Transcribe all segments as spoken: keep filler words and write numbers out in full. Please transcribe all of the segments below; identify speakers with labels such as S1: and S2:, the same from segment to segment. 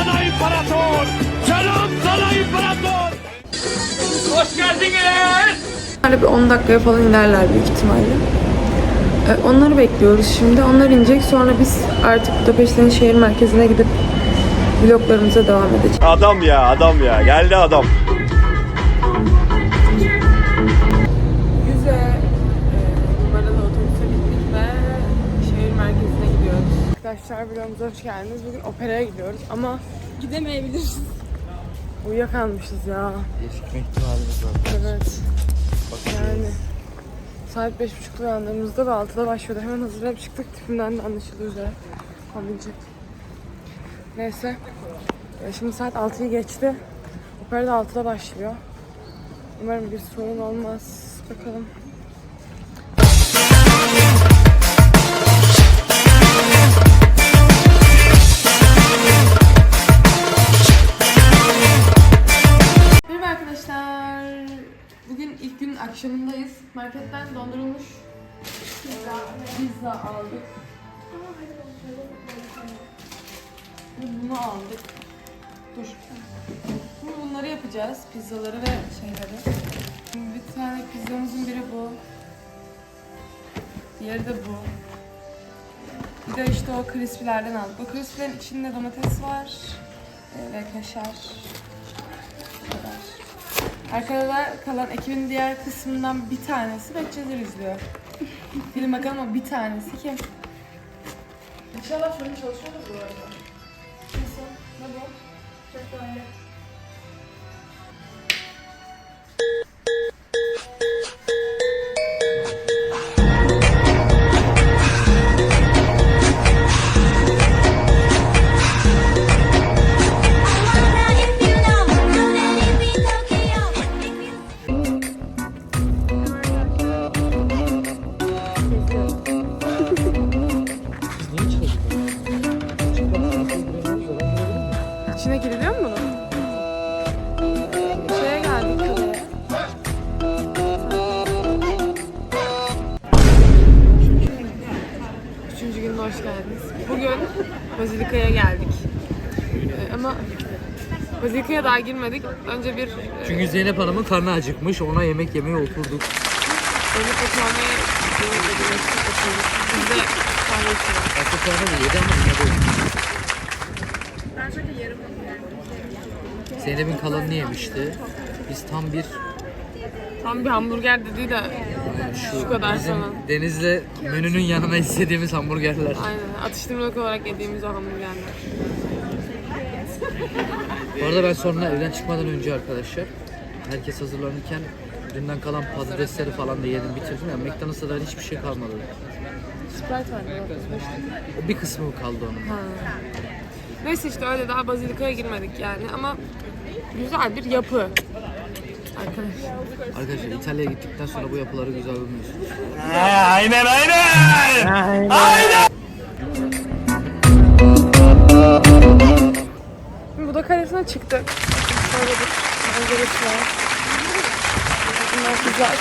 S1: sana imparator! Selam sana imparator! Hoş geldiniz!
S2: Böyle bir on dakikaya falan inerler büyük ihtimalle. Ee, onları bekliyoruz şimdi. Onlar inecek. Sonra biz artık Budapeşte'nin şehir merkezine gidip vloglarımıza devam edeceğiz.
S3: Adam ya, adam ya. Geldi adam.
S2: Yüze e, numaralı otobüse bindik ve şehir merkezine gidiyoruz. Arkadaşlar vlogumuza hoş geldiniz. Bugün operaya gidiyoruz ama gidemeyebiliriz. Uyuyakalmışız ya.
S4: Gecikme ihtimalimiz var.
S2: Evet. Yani saat beş buçukta uyandığımızda ve altıda başlıyordu. Hemen hazırlanıp çıktık. Tipimden de anlaşıldığı üzere. Kombinecek. Neyse. E, Şimdi saat altıyı geçti. Opera da altıda başlıyor. Umarım bir sorun olmaz. Bakalım. Merhaba arkadaşlar. Bugün ilk günün akşamındayız. Marketten dondurulmuş pizza, pizza aldık. Bunu aldık. Dur. Şimdi bunları yapacağız. Pizzaları ve şeyleri. Şimdi bir tane pizzamızın biri bu. Diğeri de bu. Bir de işte o crispy'lerden aldık. O crispy'lerin içinde domates var e, ve kaşar. Bu kadar. Arkada da kalan ekibin diğer kısmından bir tanesi Betçeler izliyor. Film bakalım ama bir tanesi kim? İnşallah şöyle çalışıyordur bu arada. Nasıl? Ne bu? Çok böyle. İçine giriliyor mu bunun? Şeye geldik kaleye. Üçüncü gününe hoş geldiniz. Bugün Bazilika'ya geldik. Ee, ama Bazilika'ya daha girmedik. Önce bir...
S4: Çünkü Zeynep Hanım'ın karnı acıkmış. Ona yemek yemeye oturduk.
S2: Zeynep oturmaya oturduk. Biz de kahve içiyoruz.
S4: Aslında karnı da yedi ama yine de.
S2: Ben sadece yarım
S4: Zeynep'in kalanını yemişti. Biz tam bir
S2: Tam bir hamburger dediği de
S4: şu,
S2: şu kadar
S4: bizim
S2: falan.
S4: Deniz'le menünün yanına istediğimiz hamburgerler.
S2: Aynen. Atıştırmalık olarak yediğimiz o hamburgerler.
S4: Bu arada ben sonra evden çıkmadan önce arkadaşlar herkes hazırlanırken dünden kalan patatesleri falan da yedim bitirdim. Yani McDonald's'ta da hiçbir şey kalmadı.
S2: Sprite var.
S4: O bir kısmı kaldı onun.
S2: Ha. Neyse işte öyle daha Bazilika'ya girmedik yani ama güzel bir yapı. Arkadaşlar.
S4: Arkadaşlar İtalya'ya gittikten sonra bu yapıları güzel bulmuyorsunuz.
S1: Aynen aynen! Aynen!
S2: Buda Kalesi'ne çıktık. Şöyle bir manzarası var. Bunlar güzel.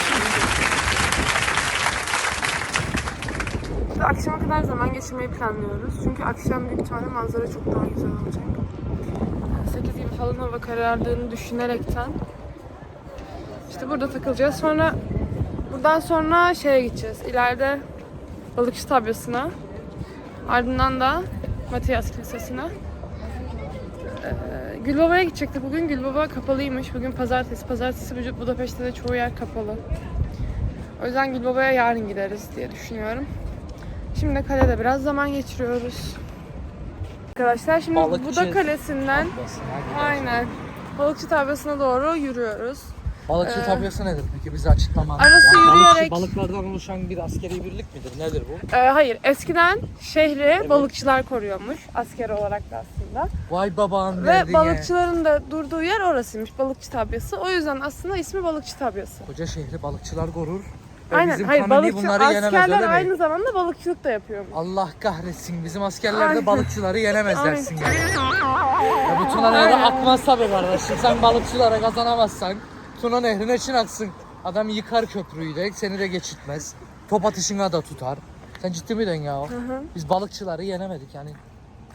S2: İşte akşama kadar zaman geçirmeyi planlıyoruz. Çünkü akşam büyük ihtimalle manzara çok daha güzel olacak. sekiz gibi falan hava karardığını düşünerekten işte burada takılacağız. Sonra buradan sonra şeye gideceğiz. İleride Balıkçı Tabyası'na. Ardından da Matias Kilisesi'ne. Ee, Gülbaba'ya gidecektik bugün. Gülbaba kapalıymış. Bugün pazartesi. Pazartesi Budapeşte'de çoğu yer kapalı. O yüzden Gülbaba'ya yarın gideriz diye düşünüyorum. Şimdi de kalede biraz zaman geçiriyoruz. Arkadaşlar şimdi
S4: Balıkçı
S2: Buda Kalesi'nden aynen Balıkçı Tabyası'na doğru yürüyoruz.
S4: Balıkçı
S2: Ee,
S4: tabyası nedir peki bize açıklaman?
S2: Arası yürüyerek...
S4: Balıklardan oluşan bir askeri birlik midir? Nedir bu?
S2: Ee, hayır, eskiden şehri balıkçılar koruyormuş askeri olarak da aslında.
S4: Vay babam
S2: Ve
S4: verdiğine.
S2: balıkçıların da durduğu yer orasıymış, Balıkçı Tabyası. O yüzden aslında ismi Balıkçı Tabyası.
S4: Koca şehri balıkçılar korur. Ve
S2: Aynen,
S4: bizim
S2: hayır
S4: kanuni
S2: balıkçı
S4: bunları yenemez,
S2: askerler
S4: öyle mi?
S2: aynı zamanda balıkçılık da yapıyormuş.
S4: Allah kahretsin, bizim askerler
S2: Aynen.
S4: de balıkçıları yenemez
S2: Aynen.
S4: dersin yani. Ya bu Tuna Nehri akmaz tabii kardeşim. Sen balıkçılara kazanamazsan Tuna Nehri'ne için aksın. Adam yıkar köprüyü de, seni de geçitmez. Top atışına da tutar. Sen ciddi miydin ya?
S2: Hı hı.
S4: Biz balıkçıları yenemedik yani.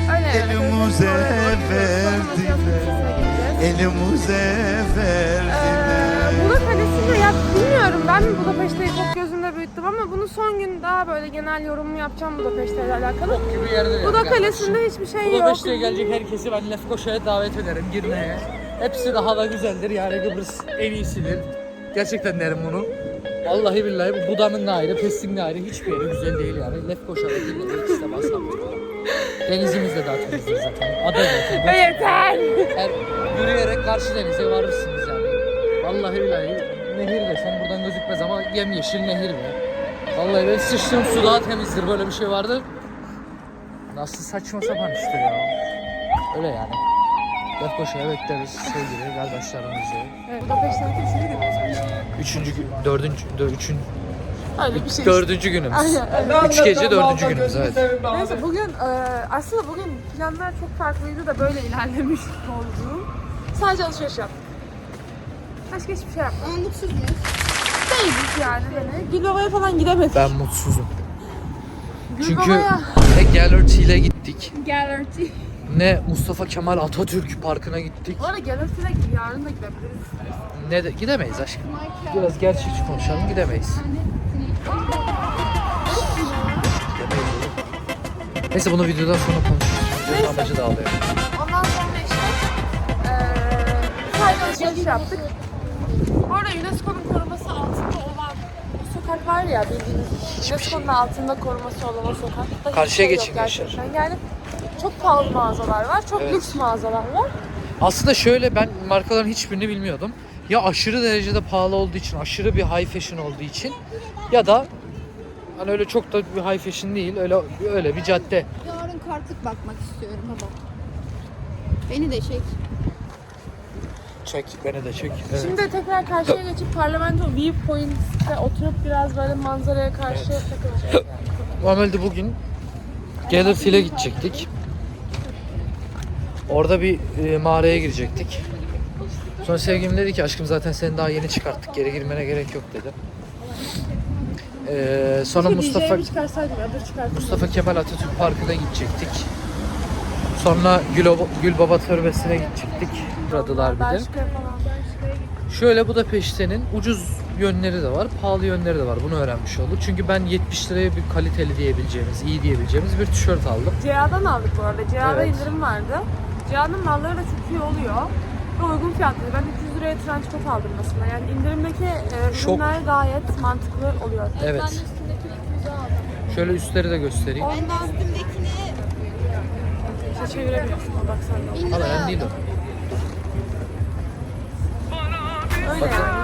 S5: Elimize verdiler, elimize verdiler.
S2: Buda Kalesi'nde ya bilmiyorum, ben Budapeşte'yi çok gözümde büyüttüm ama bunu son gün daha böyle genel yorumumu yapacağım Budapeşte ile alakalı.
S4: Bok gibi yerde.
S2: Buda Kalesi'nde hiçbir şey yok.
S4: Budapeşte'ye gelecek herkesi ben Lefkoşa'ya davet ederim girmeye. Hepsi daha da güzeldir yani, Kıbrıs en iyisidir. Gerçekten derim bunu. Vallahi billahi bu Buda'nın da ayrı, Pesting'in de ayrı, hiçbir yeri güzel değil yani. Lefkoşa'da dinlemek ikisi de basamıyor. Denizimiz de daha temizdir zaten. Ada zaten.
S2: Yeter.
S4: Her yürüyerek karşı denize varırsınız yani. Vallahi billahi nehir desen buradan gözükmez ama yemyeşil nehir be. Vallahi ben sıçtığım su daha temizdir, böyle bir şey vardı. Nasıl saçma sapan işte ya. Öyle yani. Lefkoşa'ya bekleriz sevgili kardeşlerimizi.
S2: Evet, Budapeşte'nin kesinlikle gidiyoruz.
S4: Üçüncü, gün- dördüncü, dö- üçün,
S2: Öyle bir şey.
S4: dördüncü günümüz.
S2: Aynen,
S4: Üç gece dördüncü günümüz evet.
S2: Neyse bugün e, aslında bugün planlar çok farklıydı da böyle ilerlemiş oldu. Sadece alışveriş yaptık. Başka hiçbir şey yapmadık.
S6: Ama mutsuz muyuz?
S2: Değiliz yani hani. Gülbaba'ya falan gidemedik.
S4: Ben mutsuzum. Çünkü
S2: Gülbaba'ya.
S4: ne Gallerty ile gittik,
S6: Gallerty.
S4: ne Mustafa Kemal Atatürk Parkı'na gittik.
S2: Bu arada Galatasaray'a yarın da gidebiliriz.
S4: Ne de gidemeyiz aşkım. Biraz gerçekçi konuşalım, gidemeyiz. Gidemeyiz oğlum. Neyse bunu videodan sonra konuşuruz. Videonun
S2: Neyse.
S4: amacı dağılıyor.
S2: Ondan sonra işte eee sadece alışveriş yaptık. Bu arada UNESCO'nun koruması altında olan o sokak var ya, bildiğiniz UNESCO'nun altında koruması olan o sokakta
S4: Karşıya
S2: hiçbir şey
S4: geçin
S2: yok
S4: gençler.
S2: gerçekten. Yani çok pahalı mağazalar var, çok
S4: Evet.
S2: lüks mağazalar var.
S4: Aslında şöyle, ben markaların hiçbirini bilmiyordum. Ya aşırı derecede pahalı olduğu için, aşırı bir high fashion olduğu için, ya da hani öyle çok da bir high fashion değil, öyle öyle bir cadde.
S6: Yarın kartık bakmak istiyorum baba. Beni de çek.
S4: Çek, beni de çek. Evet.
S2: Şimdi tekrar karşıya geçip Parlamento Viewpoint'te oturup biraz böyle manzaraya karşı takılacağız yani.
S4: Normalde bugün Gallerty'ye gidecektik. Orada bir e, mağaraya girecektik. Sonra sevgilim dedi ki aşkım zaten seni daha yeni çıkarttık, geri girmene gerek yok dedi. Ee, sonra Mustafa
S2: D J'yi çıkarsaydım, adı çıkartırdım.
S4: Mustafa Kemal Atatürk Parkı'na gidecektik. Sonra Gül, Gülbaba Türbesi'ne gidecektik. Buradılar bir de.
S2: Belçika'ya falan.
S4: Şöyle Budapeşte'nin ucuz yönleri de var, pahalı yönleri de var. Bunu öğrenmiş olduk. Çünkü ben yetmiş liraya bir kaliteli diyebileceğimiz, iyi diyebileceğimiz bir tişört aldım.
S2: C A'dan aldık bu arada. C A'da
S4: Evet.
S2: indirim vardı. C A'nın malları da çok iyi oluyor. Ve uygun fiyatlı. Ben üç yüz liraya trench coat aldım mesela. Yani indirimdeki e,
S4: Şok.
S2: ürünler gayet mantıklı oluyor.
S4: Evet.
S6: Ben de üstündekini yüze aldım.
S4: Şöyle üstleri de göstereyim.
S6: Ben de üstümdekini
S2: İşte çevirebiliyorsun o baksana.
S6: bin
S4: Ama
S6: liraya
S4: önemli değil
S6: aldım.
S4: o.
S2: Öyle
S4: Bakın.
S2: yani.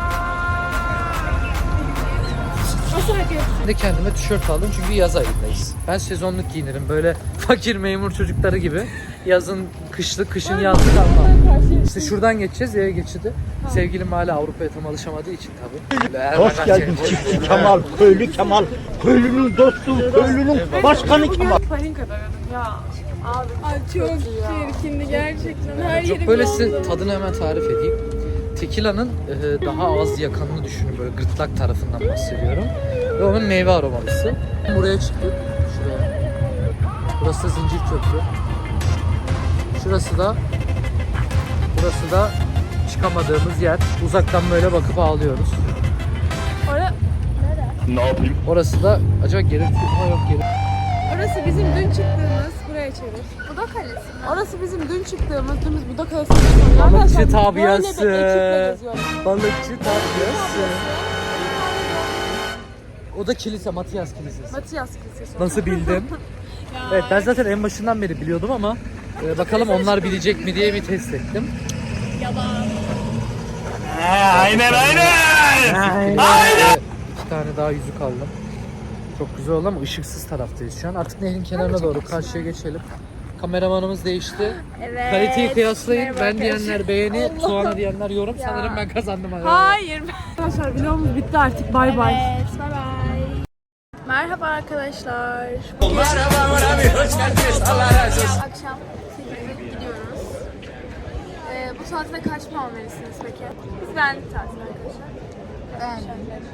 S2: Nasıl hareket?
S4: Ben de kendime tişört aldım çünkü yaz ayındayız. Ben sezonluk giyinirim, böyle fakir memur çocukları gibi. Yazın kışlık, kışın yazlık almam. İşte şuradan geçeceğiz yaya geçidi. Sevgilim hala Avrupa'ya tam alışamadığı için tabii.
S7: Hoş geldin çiftçi Kemal, köylü Kemal, köylünün dostu, köylünün başkanı Kemal.
S2: Palinka denedim ya. Abi Ay, çok çirkindi gerçekten. Her
S4: Çok böyle size tadını hemen tarif edeyim. Tequila'nın e, daha az yakanını düşünün, böyle gırtlak tarafından bahsediyorum. Ve onun meyve aromalısı. Buraya çıktık, şuraya. Burası da Zincir Köprü. Şurası da, burası da çıkamadığımız yer. Uzaktan böyle bakıp ağlıyoruz.
S2: Orada,
S3: Ne yapayım?
S4: Orası da, acaba geri, ha yok geri.
S2: orası bizim dün çıktığımız, buraya çevir.
S6: Buda Kalesi.
S2: Orası bizim dün çıktığımız, dün biz Buda Kalesi'ne çıkıyoruz.
S4: Balıkçı
S2: Arkadaşlar,
S4: tabiyası.
S2: Böyle bir ekiple geziyoruz.
S4: Balıkçı tatlıyası. O da kilise, Matias Kilisesi.
S2: Matias Kilisesi.
S4: Nasıl bildim? Evet, ben zaten en başından beri biliyordum ama e, bakalım onlar bilecek mi diye bir test ettim.
S1: Ha, aynen aynen.
S4: Aynen. İki tane daha yüzük aldım. Çok güzel oldu ama ışıksız taraftayız şu an. Artık nehrin kenarına doğru karşıya geçelim. Kameramanımız değişti.
S6: Evet.
S4: Kaliteyi kıyaslayın.
S6: Merhaba
S4: Ben
S6: arkadaşlar.
S4: diyenler beğeni, Tuana diyenler yorum. Sanırım ben kazandım.
S2: Hayır. Arkadaşlar vlogumuz bitti artık. Bay bay.
S6: Evet, bye bye.
S2: Merhaba arkadaşlar.
S6: Akşam sekizde gidiyoruz. Ee, bu saatte kaç puan verirsiniz peki?
S2: Biz beğendik tatil arkadaşlar.
S6: Beğendim.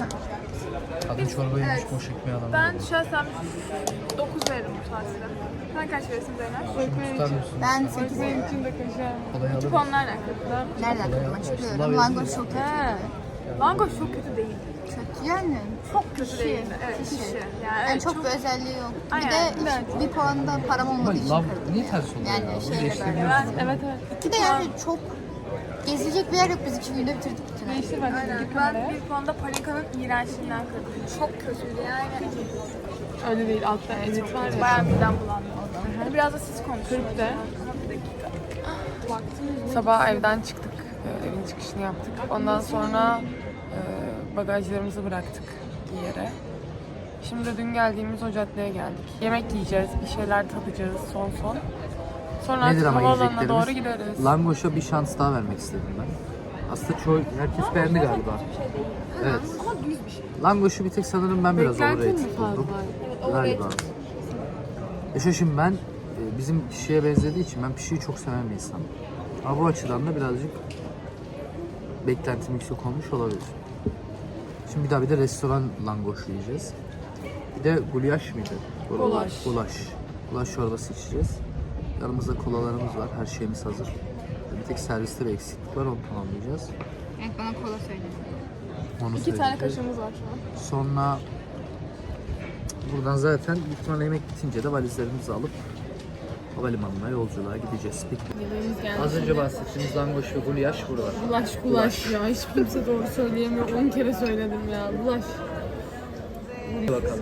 S4: Kadın çorba yemiş,
S6: Evet.
S4: boş ekmeği alalım.
S2: Ben şahsen dokuz veririm bu tatile.
S6: Sen kaç verirsin Zeynep?
S4: Tutar mısın?
S8: Ben sekiz.
S2: Benim için de kaşar.
S4: Kolay alır
S6: Küçük
S4: mısın?
S6: onlar ne kadar?
S8: Nereden
S4: Kolay
S8: kırmak
S4: alır.
S8: çıkıyorum?
S4: Sıla
S8: Langoş
S4: verirsin.
S8: çok kötü.
S6: He. Langoş çok kötü değil.
S8: Kötü yani.
S6: Çok kötü
S8: Pişi.
S6: değil. Evet,
S8: Pişi.
S6: pişi. Yani,
S8: Yani
S6: evet,
S8: çok, bir özelliği yok.
S6: Aynen,
S8: Bir de
S6: evet.
S8: hiç- bir puan da param
S4: Ama
S8: olmadığı için
S4: lav
S8: kırdım.
S4: niye ters oluyor
S8: Yani
S4: ya? Bunu
S8: şeyle
S4: değiştirmiyorsun.
S8: beraber.
S2: Evet evet.
S8: Bir de yani çok gezilecek bir yer yok. Biz iki günde bitirdik bütün her şeyi.
S2: Değiştir bak.
S6: Aynen. Ben bir puanda Palika'nın iğrençliğinden kırdım. Çok kötüydü yani.
S2: Öyle değil. Altta edit var ya.
S6: Bayağı midem bulandı. Hadi biraz da siz konuşun.
S2: Kırk de.
S6: Ama bir dakika.
S2: Sabah evden çıktık. Ee, Evin çıkışını yaptık. Ondan sonra e, bagajlarımızı bıraktık bir yere. Şimdi de dün geldiğimiz o caddeye geldik. Yemek yiyeceğiz, bir şeyler tadacağız son son. Sonra
S4: Nedir
S2: artık
S4: ama
S2: havaalanına
S4: yiyeceklerimiz?
S2: doğru gideriz.
S4: Langoş'a bir şans daha vermek istedim ben. Aslında çoğu, herkes beğendi galiba. Evet.
S6: Ama düz bir şey.
S4: Langoş'u bir tek sanırım ben biraz
S2: Beklentin mi
S4: overrated
S2: fazla?
S4: buldum. Galiba. Yaşa şimdi ben e, bizim pişiye benzediği için ben pişiyi çok seven bir insanım. Ama bu açıdan da birazcık beklentim yüksek olmuş olabilir. Şimdi bir daha bir de restoran langoş yiyeceğiz. Bir de gulaş mıydı?
S2: Gulaş.
S4: Gulaş. Gulaş çorbası içeceğiz. Yanımızda kolalarımız var. Her şeyimiz hazır. Bir tek serviste bir eksiklik var. Onu tamamlayacağız.
S8: Evet bana kola söyle.
S4: Onu
S6: İki tane
S4: söyleyeceğiz.
S6: kaşığımız var şu an.
S4: Sonra buradan zaten büyük ihtimalle yemek bitince de valizlerimizi alıp havalimanına yolculuğa gideceğiz. Peki. Az önce bahsettiğimiz langoş ve gulaş burada.
S2: Bulaş bulaş ya. Hiç kimse doğru söyleyemiyor. on kere söyledim ya. Bulaş.
S4: Hadi bakalım.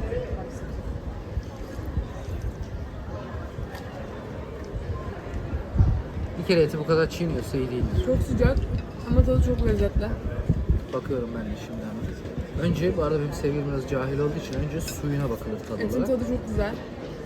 S4: Bir kere eti bu kadar çiğniyorsa iyi değildir.
S2: Çok sıcak ama tadı çok lezzetli.
S4: Bakıyorum ben de şimdi hemen. Önce bu arada benim sevgilim biraz cahil olduğu için önce suyuna bakılır tadı
S2: Etin
S4: olarak.
S2: tadı çok güzel.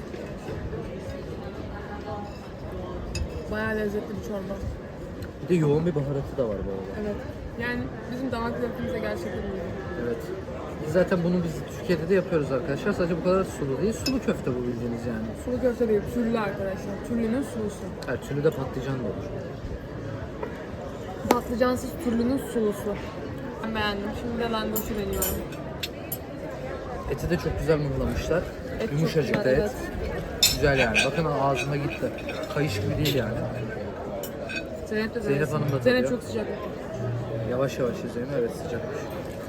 S2: Bayağı lezzetli bir çorba.
S4: Bir de yoğun bir baharatı da var bu arada.
S2: Evet. Yani bizim damak zevkimize gerçekten uyuyor.
S4: Evet. Biz zaten bunu biz Türkiye'de de yapıyoruz arkadaşlar. Sadece bu kadar sulu değil. Sulu köfte bu bildiğiniz yani.
S2: Sulu köfte değil, türlü arkadaşlar. Türlünün sulusu.
S4: Her türlü de patlıcan da olur.
S2: Patlıcansız türlünün sulusu. Ben beğendim. Şimdi de langoşu deniyorum.
S4: Eti de çok güzel mıhlamışlar.
S2: Et çok
S4: Yumuşacık da
S2: güzel,
S4: et.
S2: evet.
S4: Güzel yani. Bakın ağzıma gitti. Kayış gibi değil yani.
S2: Zeynep de
S4: Zeynep
S2: denesin.
S4: Hanım da
S2: Zeynep
S4: tadıyor.
S2: çok sıcak.
S4: Yavaş yavaş izleyin. Evet sıcakmış.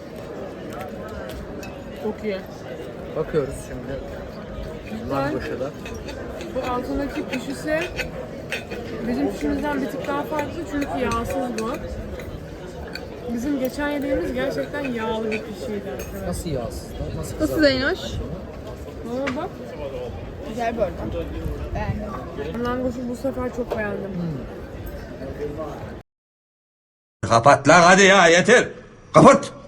S2: Çok iyi.
S4: Bakıyoruz şimdi. Langoş'a da.
S2: Bu altındaki pişisi bizim pişimizden bir tık daha farklı çünkü yağsız bu. Bizim geçen yediğimiz gerçekten yağlı bir pişiydi arkadaşlar.
S4: Nasıl yağsız? Nasıl
S6: Nasıl
S4: kızartıyor?
S6: Zeynoş?
S2: Ama bak,
S8: Güzel bu arada. Beğendim.
S2: langoşu bu sefer çok beğendim.
S9: Kapat lan hadi ya yeter. Kapat.